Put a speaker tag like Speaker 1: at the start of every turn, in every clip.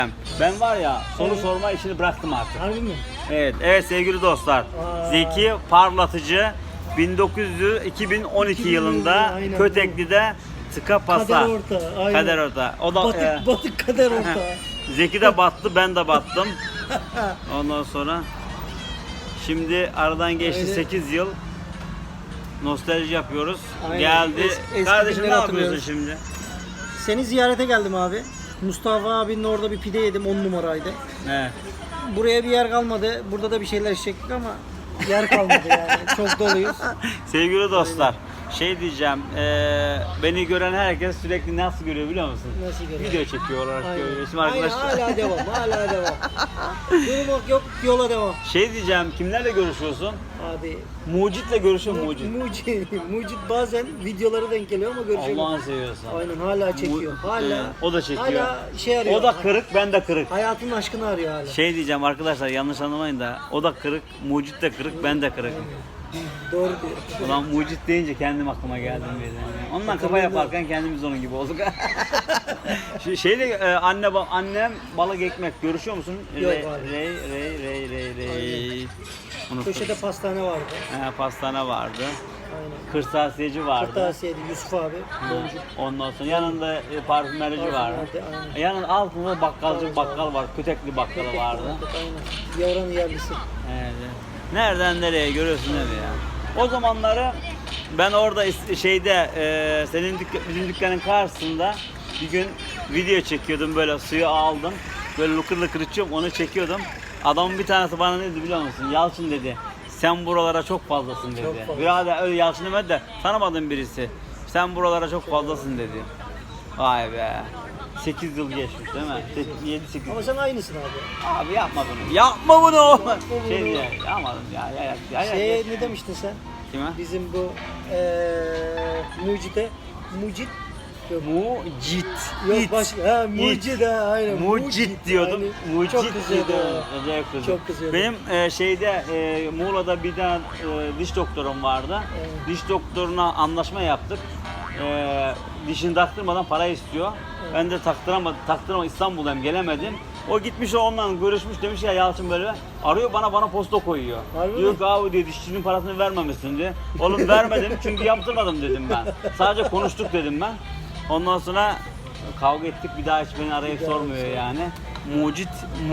Speaker 1: Ben var ya soru sorma işini bıraktım artık.
Speaker 2: Harbi mi?
Speaker 1: Evet sevgili dostlar. Zeki Parlatıcı 2012 yılında
Speaker 2: aynen.
Speaker 1: Kötekli'de tıka pasa.
Speaker 2: Kader orta. Aynen.
Speaker 1: Kader orta. O da
Speaker 2: Batık kader orta.
Speaker 1: Zeki de battı, ben de battım. Ondan sonra şimdi aradan geçti
Speaker 2: Aynen.
Speaker 1: 8 yıl. Nostalji yapıyoruz.
Speaker 2: Aynen.
Speaker 1: Geldi.
Speaker 2: Eski
Speaker 1: Kardeşim ne
Speaker 2: günleri
Speaker 1: yapıyorsun
Speaker 2: hatırlıyoruz.
Speaker 1: şimdi?
Speaker 2: Seni ziyarete geldim abi. Mustafa abinin orada bir pide yedim, 10 numaraydı.
Speaker 1: Evet.
Speaker 2: Buraya bir yer kalmadı. Burada da bir şeyler içecektik ama yer kalmadı yani. Çok doluyuz.
Speaker 1: Sevgili dostlar, şey diyeceğim, beni gören herkes sürekli nasıl görüyor biliyor musun?
Speaker 2: Nasıl görüyor?
Speaker 1: Video çekiyor olarak
Speaker 2: Aynen.
Speaker 1: görüyor. Şimdi
Speaker 2: Aynen,
Speaker 1: arkadaşlar,
Speaker 2: hala devam, hala devam. Durmak yok, yola devam.
Speaker 1: şey diyeceğim, kimlerle görüşüyorsun?
Speaker 2: Abi
Speaker 1: Mucit'le görüşüyor Mucit.
Speaker 2: Mucit bazen videolara denk geliyor ama görüşemiyor.
Speaker 1: Allah'ını seviyorsan.
Speaker 2: Aynen, hala çekiyor. Hala.
Speaker 1: O da çekiyor.
Speaker 2: Hala şey arıyor.
Speaker 1: O da kırık, ben de kırık.
Speaker 2: Hayatının aşkını arıyor hala.
Speaker 1: Şey diyeceğim arkadaşlar, yanlış anlamayın da, o da kırık, Mucit de kırık, ben de kırık.
Speaker 2: Doğru diyor.
Speaker 1: Ulan Mucit deyince kendim aklıma geldim birden. Ondan kafa yaparken kendimiz onun gibi olduk. Annem balık ekmek görüşüyor musun?
Speaker 2: Yok abi.
Speaker 1: Rey. Unuttum.
Speaker 2: Köşede pastane vardı.
Speaker 1: Pastane vardı.
Speaker 2: Aynen.
Speaker 1: Kırtasiyeci vardı.
Speaker 2: Kırtasiyedi Yusuf abi. Boncuk.
Speaker 1: Ondan sonra yanında parfümerici vardı.
Speaker 2: Aynen.
Speaker 1: Yanında altında bakkal var. Kötekli bakkalı vardı.
Speaker 2: Aynen. Yavranın yerlisi.
Speaker 1: Evet. Nereden nereye görüyorsun değil mi ya? O zamanları ben orada bizim dükkanın karşısında bir gün video çekiyordum, böyle suyu aldım. Böyle lıkır lıkır içiyorum, onu çekiyordum. Adamın bir tanesi bana ne dedi biliyor musun? Yalçın dedi. Sen buralara çok fazlasın dedi.
Speaker 2: Çok fazla.
Speaker 1: Birader öyle Yalçın demedi de tanımadığım birisi. Sen buralara çok fazlasın dedi. Vay be. 8 yıl geçmiş değil mi? 7-8 yıl.
Speaker 2: Ama sen aynısın abi.
Speaker 1: Abi yapma bunu. Yapma bunu. Şey diye yapmadım ya.
Speaker 2: Ne demiştin sen?
Speaker 1: Kime?
Speaker 2: Bizim bu Mucit yok.
Speaker 1: Mucit.
Speaker 2: Yok başka. Mucit ha aynen.
Speaker 1: Mucit diyordum.
Speaker 2: Aynen.
Speaker 1: Mucit
Speaker 2: Çok kızıyordu.
Speaker 1: diyordum. Acayip kızdı.
Speaker 2: Çok kızıyordu.
Speaker 1: Benim Muğla'da bir tane diş doktorum vardı.
Speaker 2: Evet.
Speaker 1: Diş doktoruna anlaşma yaptık. Dişini taktırmadan para istiyor.
Speaker 2: Evet.
Speaker 1: Ben de taktıramadım, İstanbul'dayım, gelemedim. O gitmiş onunla görüşmüş, demiş ya Yalçın böyle arıyor, bana posta koyuyor.
Speaker 2: Harbi
Speaker 1: Diyor
Speaker 2: mi?
Speaker 1: ki abi diyor, dişçinin parasını vermemişsin diyor. Oğlum vermedim çünkü yaptırmadım dedim ben. Sadece konuştuk dedim ben. Ondan sonra kavga ettik, bir daha hiç beni arayıp sormuyor yani. Mucit.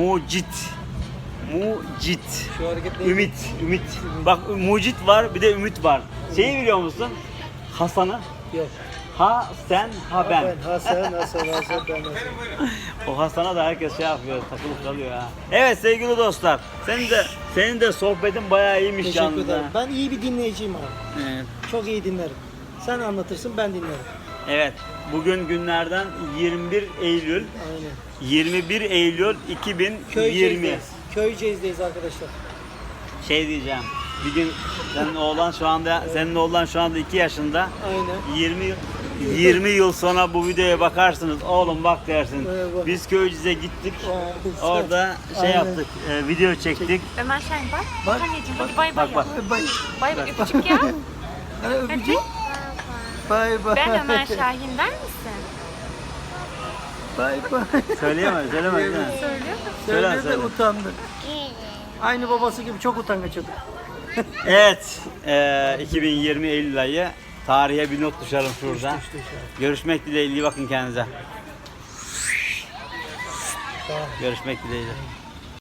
Speaker 2: Şu hareket neydi?
Speaker 1: Ümit. Bak Mucit var, bir de Ümit var. Şeyi biliyor musun? Hasan'ı.
Speaker 2: Yok.
Speaker 1: Ha sen, ha ben.
Speaker 2: Hasan ben Hasan.
Speaker 1: O Hasan'a da herkes şey yapıyor, takılıp kalıyor ha. Evet sevgili dostlar, senin de sohbetin bayağı iyiymiş
Speaker 2: Teşekkür
Speaker 1: yalnız
Speaker 2: ederim.
Speaker 1: ha.
Speaker 2: Ben iyi bir dinleyiciyim abi.
Speaker 1: Evet.
Speaker 2: Çok iyi dinlerim. Sen anlatırsın, ben dinlerim.
Speaker 1: Evet, bugün günlerden 21 Eylül.
Speaker 2: Aynen.
Speaker 1: 21 Eylül 2020.
Speaker 2: Köyceğiz'deyiz arkadaşlar.
Speaker 1: Şey diyeceğim, bir gün senin oğlan şu anda 2 yaşında.
Speaker 2: Aynen.
Speaker 1: 20 yıl sonra bu videoya bakarsınız, oğlum bak dersin.
Speaker 2: Evet.
Speaker 1: Biz Köyceğiz'e gittik.
Speaker 2: Vay.
Speaker 1: Orada şey
Speaker 2: Aynen.
Speaker 1: yaptık, video çektik.
Speaker 3: Ömer Şahin bak.
Speaker 2: Bak.
Speaker 3: Anneciğim hadi bay bay
Speaker 1: Bak.
Speaker 3: yap.
Speaker 2: Bay
Speaker 3: Bay bay öpücük ya. Hadi.
Speaker 2: öpücük. Bay bay.
Speaker 3: Ben Ömer Şahin der misin?
Speaker 2: Bay bay.
Speaker 1: Söyleme değil mi?
Speaker 3: Söylüyor musun?
Speaker 2: Söyle
Speaker 1: söyle.
Speaker 2: de utandı. Aynı babası gibi çok utangaç çocuk.
Speaker 1: Evet, 2020 Eylül ayı. Tarihe bir not düşelim şurada.
Speaker 2: Düştü.
Speaker 1: Görüşmek dileğiyle, iyi bakın kendinize.
Speaker 2: Tamam.
Speaker 1: Görüşmek dileğiyle.